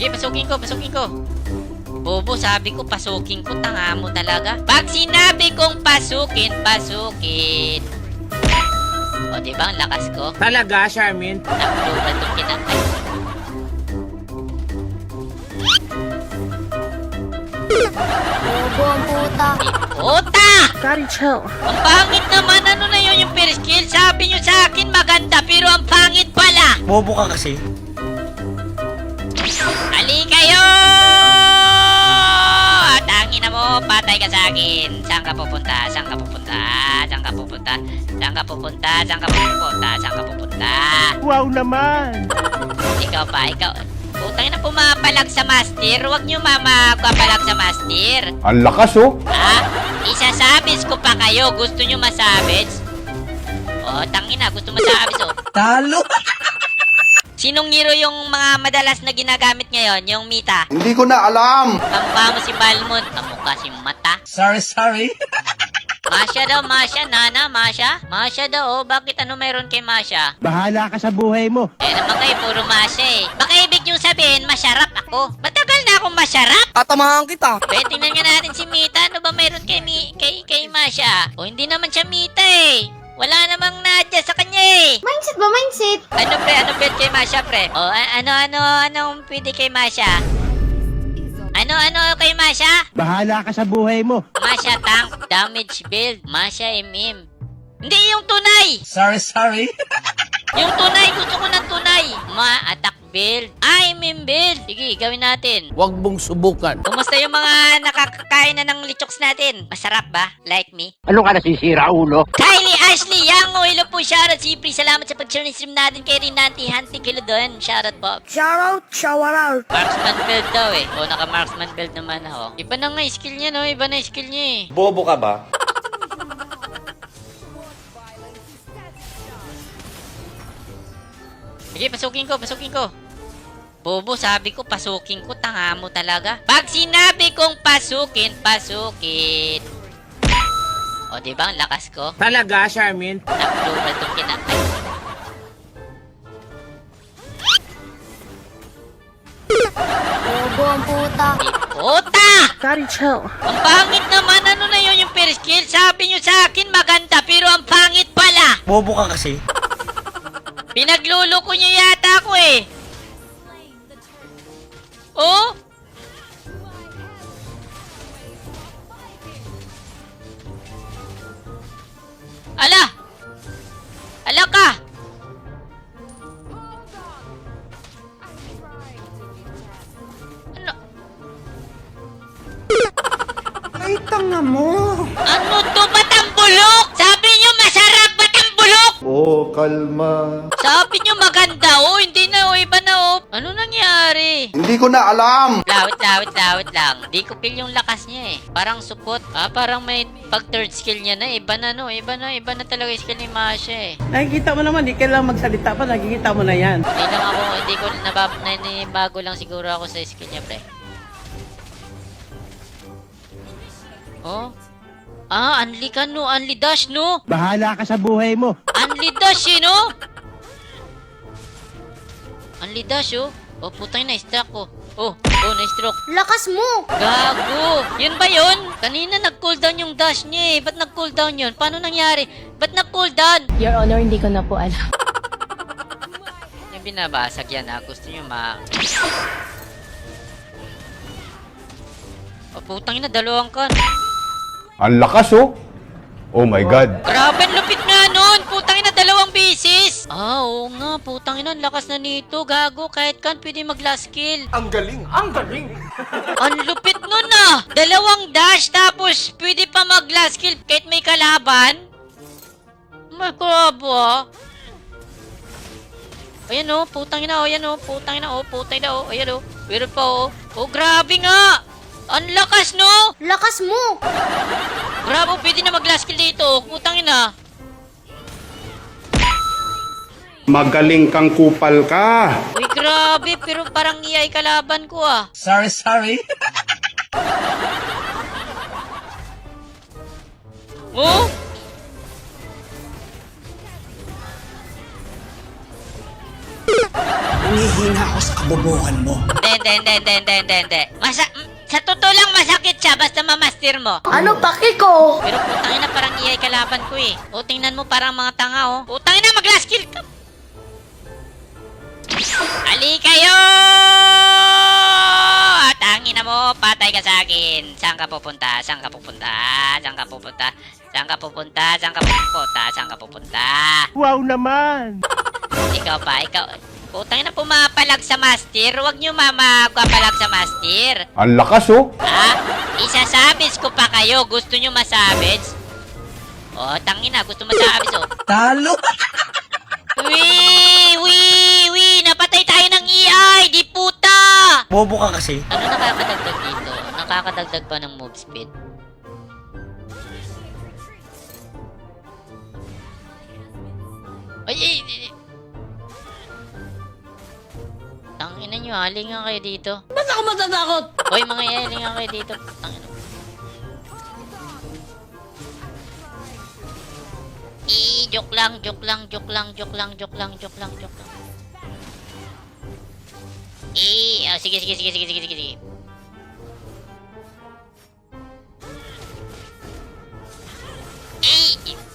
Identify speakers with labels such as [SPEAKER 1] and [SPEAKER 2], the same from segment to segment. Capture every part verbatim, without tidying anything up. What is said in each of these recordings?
[SPEAKER 1] Sige, pasukin ko, pasukin ko. Bobo, sabi ko pasukin ko, tanga mo talaga. Pag sinabi kong pasukin, pasukin. O, diba ang lakas ko?
[SPEAKER 2] Talaga, Charmin?
[SPEAKER 1] Nakluban itong kinakay.
[SPEAKER 3] Bobo ang puta.
[SPEAKER 1] Puta!
[SPEAKER 3] Daddy, chill.
[SPEAKER 1] Ang pangit naman, ano na yun yung first skill? Sabi nyo sa akin maganda, pero ang pangit pala.
[SPEAKER 2] Bobo ka kasi.
[SPEAKER 1] Ali kayo! At angin na mo, patay ka sa akin. Saan ka pupunta? Saan ka pupunta? Saan ka pupunta? Saan ka pupunta? Saan ka pupunta? Saan ka pupunta?
[SPEAKER 2] Wow naman!
[SPEAKER 1] Ikaw pa, ikaw. Putang na pumapalag sa master. Huwag nyo mama papalag sa master.
[SPEAKER 4] Ang lakas oh.
[SPEAKER 1] Ha? Isasabis ko pa kayo. Gusto nyo masabits? Oh, tangina. Gusto masabits oh.
[SPEAKER 2] Talo!
[SPEAKER 1] Sinong hero yung mga madalas na ginagamit ngayon? Yung Mita?
[SPEAKER 4] Hindi ko na alam.
[SPEAKER 1] Kamukha mo si Balmond. Kamukha si Mata.
[SPEAKER 2] Sorry, sorry.
[SPEAKER 1] Masya daw, Masya. Nana, Masya. Masya daw, oh. Bakit ano meron kay Masya?
[SPEAKER 2] Bahala ka sa buhay mo.
[SPEAKER 1] Eh naman kayo, puro Masya eh. Baka ibig yung sabihin, masyarap ako. Matagal na akong masyarap.
[SPEAKER 2] Tatamahan kita.
[SPEAKER 1] Be, tingnan nga natin si Mita. Ano ba meron kay, Mi kay, kay Masya? O, hindi naman siya Mita eh. Wala namang nadya sa kanya eh.
[SPEAKER 3] Mindset ba, mindset?
[SPEAKER 1] Ano pre, anong bet kay Masya pre? O, a- ano, ano, anong pwede kay Masya? Ano, ano kay Masya?
[SPEAKER 2] Bahala ka sa buhay mo.
[SPEAKER 1] Masya tank, damage build, Masya M M. Hindi yung tunay!
[SPEAKER 2] Sorry, sorry.
[SPEAKER 1] Yung tunay, gusto ko ng tunay. Ma-attack build. Ah, M M build. Sige, gawin natin.
[SPEAKER 2] Huwag mong subukan.
[SPEAKER 1] Kumusta yung mga nakakakain na ng lichoks natin? Masarap ba? Like me?
[SPEAKER 2] Ano ka nasisira, ulo?
[SPEAKER 1] Kylie, Ashley, Yango, hello po, shoutout. Siyempre, salamat sa pag-share ng stream natin kay Rinanti, Hanti, kilo doon. Shoutout po.
[SPEAKER 3] Shoutout, shower out.
[SPEAKER 1] Marksman build daw eh. O, naka-marksman build naman ako. Iba na nga skill niya, no? Iba na skill niya eh.
[SPEAKER 4] Bobo ka ba?
[SPEAKER 1] Sige, pasukin ko, pasukin ko. Bobo, sabi ko, pasukin ko, tanga mo talaga. Pag sinabi kong pasukin, pasukin. O, diba ang lakas ko?
[SPEAKER 2] Talaga, Charmin?
[SPEAKER 1] Nakluban itong kinakay.
[SPEAKER 3] Bobo ang puta.
[SPEAKER 1] Puta!
[SPEAKER 3] Daddy, chill.
[SPEAKER 1] Ang pangit naman, ano na yun yung first skill? Sabi nyo sa akin maganda, pero ang pangit pala.
[SPEAKER 2] Bobo ka kasi.
[SPEAKER 1] Pinagluloko nyo yata ako eh. Oh? Ala! Ala ka! Ano?
[SPEAKER 2] Ay, tanga mo.
[SPEAKER 1] Ano to? Ba't ang bulok? Sabi nyo masarap, ba't ang bulok?
[SPEAKER 4] Oh, kalma.
[SPEAKER 1] Sabi nyo maganda, oh, hindi na, oh, iba na, oh. Ano nangyari?
[SPEAKER 4] Hindi ko na alam.
[SPEAKER 1] Lawit, lawit, lawit lang. Di ko feel yung lakas niya eh. Parang support. Ah, parang may pag third skill niya na. Iba na no. Iba na, iba na talaga yung skill ni Masha eh.
[SPEAKER 5] Nakikita mo naman, di kailangan magsalita pa, nakikita mo na yan.
[SPEAKER 1] Hindi lang ako, hindi ko nabab, nanibago lang siguro ako sa skill niya, pre. Oh? Ah, unli ka no. Unli dash no.
[SPEAKER 2] Bahala ka sa buhay mo.
[SPEAKER 1] Unli dash eh no. Unli dash oh. Oh, putang na, struck ko. Oh, oh, na-stroke.
[SPEAKER 3] Lakas mo.
[SPEAKER 1] Gago! Yun ba yun? Kanina nag-cooldown yung dash niya eh. Ba't nag-cooldown yun? Paano nangyari? Ba't nag-cooldown?
[SPEAKER 6] Your Honor, hindi ko na po alam.
[SPEAKER 1] Yung binabasag yan ha. Gusto nyo ma... Oh, putang ina, dalawang kan.
[SPEAKER 4] Ang lakas oh. Oh my God.
[SPEAKER 1] Grabe, ang lupit nga nun! Putang ina, dalawang bisis! Ah, oo nga, putang ina, ang lakas na nito. Gago, kahit kan pwede mag-last kill.
[SPEAKER 2] Ang galing, ang galing.
[SPEAKER 1] Ang lupit nun ah! Dalawang dash, tapos pwede pa mag-last kill kahit may kalaban. May krabo ah. Ayan oh, putang ina, oh, ayan oh, putang ina, oh, putang ina, oh, ayan oh. Pero pa oh. Oh, grabe nga! Ang lakas no!
[SPEAKER 3] Lakas mo.
[SPEAKER 1] Grabe, pwede na mag-last kill dito, oh, putang ina.
[SPEAKER 4] Magaling kang kupal ka.
[SPEAKER 1] Uy, grabe, pero parang iyay kalaban ko ah.
[SPEAKER 2] Sorry, sorry.
[SPEAKER 1] Oh?
[SPEAKER 2] Humihina ako sa kabobohan mo.
[SPEAKER 1] Hindi, hindi, hindi, hindi, hindi, hindi, hindi. Masa sa totoo lang masakit siya basta mamaster mo.
[SPEAKER 3] Ano paki ko?
[SPEAKER 1] Pero putangin na parang iyay kalaban ko eh. O tingnan mo parang mga tanga oh. Putangin na mag-last kill ka. Ali kayo! Tangin na mo, patay ka sa akin. Saan ka pupunta? Saan ka pupunta? Saan ka pupunta? Saan ka pupunta? Saan ka pupunta? Saan ka pupunta?
[SPEAKER 2] Wow naman!
[SPEAKER 1] Ikaw pa, ikaw. Putangin na pumapalag sa master. Huwag nyo mamapalag sa master.
[SPEAKER 4] Ang lakas oh.
[SPEAKER 1] Ha? Isasabits ko pa kayo. Gusto nyo masabits? Oh, tangin na. Gusto masabits oh.
[SPEAKER 2] Talo!
[SPEAKER 1] Wee! Wee! Wee! Napatay tayo ng E I! Di puta!
[SPEAKER 2] Bobo ka kasi.
[SPEAKER 1] Ano nakakadagdag dito? Nakakadagdag pa ng move speed? Ay, ay, ay. Tangina nyo, halingan kayo dito.
[SPEAKER 5] Ba't ako matatakot?
[SPEAKER 1] Hoy, mga i, halingan kayo dito. Tangina. Eh, joke lang, joke lang, joke lang, joke lang, joke lang, joke lang, joke lang. Eh, oh, sige, sige, sige, sige, sige, sige, sige. Eh,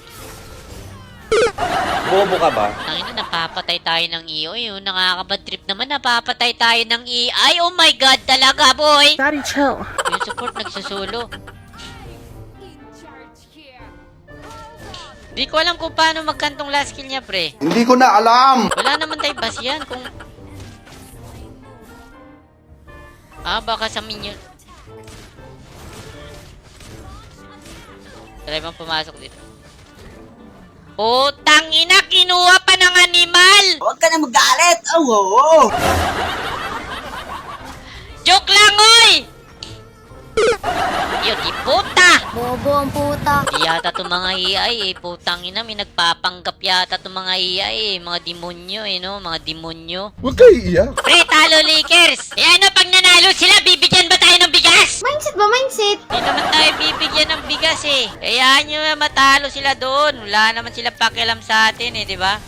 [SPEAKER 6] Bobo ka ba?
[SPEAKER 1] tangina, napapatay tayo ng E I. Oh, nakakabad trip naman, napapatay tayo ng E I. Oh my God, talaga, boy!
[SPEAKER 3] Daddy, chill.
[SPEAKER 1] Yung support nagsusulo. Di ko alam kung paano magkantong last kill niya, pre.
[SPEAKER 6] Hindi ko na alam!
[SPEAKER 1] Wala naman tayo bas yan kung... Ah, baka sa minion... Try bang pumasok dito? Oh, tangina! Kinuha pa ng animal!
[SPEAKER 2] Huwag ka na magalit! Oh, oo!
[SPEAKER 1] Joke lang, oy! Yun, di puta!
[SPEAKER 3] Bobo ang puta.
[SPEAKER 1] Di yata itong mga A I eh. Putang ina, may nagpapanggap yata itong mga A I eh. Mga demonyo eh, no? Mga demonyo.
[SPEAKER 6] Huwag kayo iiyak.
[SPEAKER 1] Pre, talo Lakers! Eh ano, pag nanalo sila, bibigyan ba tayo ng bigas?
[SPEAKER 3] Mindset ba, mindset?
[SPEAKER 1] Hindi naman tayo bibigyan ng bigas eh. Kaya nyo matalo sila doon. Wala naman sila pakialam sa atin eh, di ba?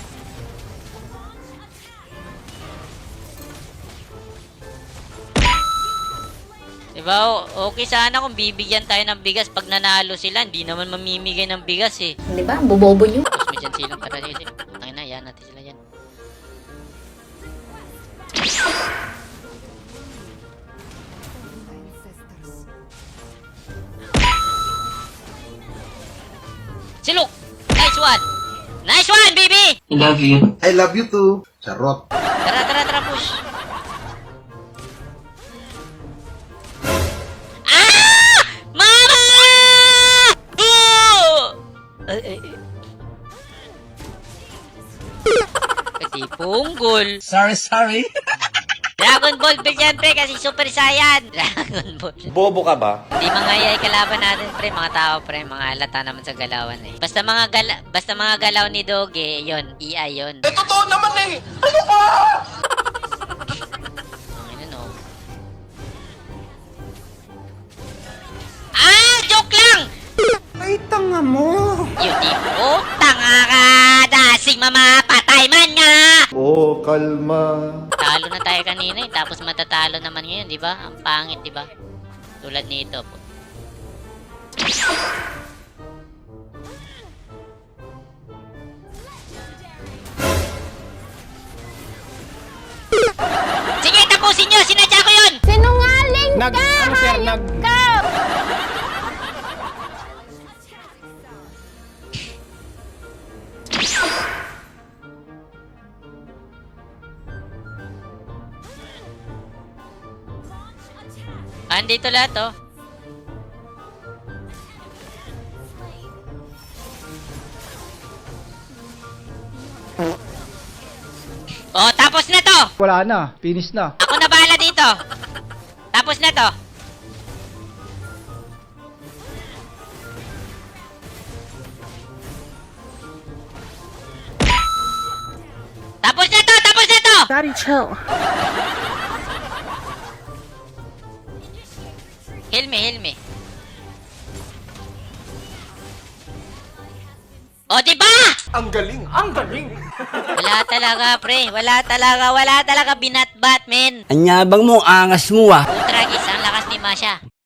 [SPEAKER 1] Diba? O- Okay sana kung bibigyan tayo ng bigas pag nanalo sila. Hindi naman mamimigay ng bigas eh.
[SPEAKER 3] Di ba? Bobobo nyo.
[SPEAKER 1] Tapos may dyan silang tara dito. Tangin na, yan natin sila yan. Silok! Nice one! Nice one, baby!
[SPEAKER 6] I love you too. Charot.
[SPEAKER 1] Tara, tara, tara, push! Ah! Mama! Oh! Ay, ay, ay. Pati punggol.
[SPEAKER 2] Sorry, sorry.
[SPEAKER 1] Dragon Ball ba yan, pre? Kasi Super Saiyan. Dragon Ball.
[SPEAKER 6] Bobo ka ba?
[SPEAKER 1] Hindi mga iyay kalaban natin, pre. Mga tao, pre. Mga halata naman sa galawan, eh. Basta mga gala basta mga galaw ni Doge, yon E I yon.
[SPEAKER 2] Eh, totoo naman eh! Ano ba?
[SPEAKER 1] Ano, no? Ah! Joke lang!
[SPEAKER 2] Ay, tanga mo!
[SPEAKER 1] Yun, di po. Tanga ka! Dasing mamapatay man nga!
[SPEAKER 6] Oh, kalma.
[SPEAKER 1] Talo na tayo kanina, eh. Tapos matatalo naman ngayon, di ba? Ang pangit, di ba? Tulad nito po. Sige, tapusin nyo! Sinadya ko yun!
[SPEAKER 3] Sinungaling
[SPEAKER 2] Nag,
[SPEAKER 3] ka!
[SPEAKER 2] ano sir, nag...
[SPEAKER 3] Ka!
[SPEAKER 1] Andito lahat, oh. Oh, tapos na to!
[SPEAKER 7] Wala na, finish na.
[SPEAKER 1] Ako na bahala dito! Tapos na to! Tapos na to! Tapos na to!
[SPEAKER 3] Daddy, chill.
[SPEAKER 1] Heal me, heal me. O, di ba?
[SPEAKER 2] Ang galing, ang galing.
[SPEAKER 1] Wala talaga, pre. Wala talaga, wala talaga binatbat, men.
[SPEAKER 7] Anyabang mo, angas mo ah.
[SPEAKER 1] Ultra, guys, ang lakas ni Masha.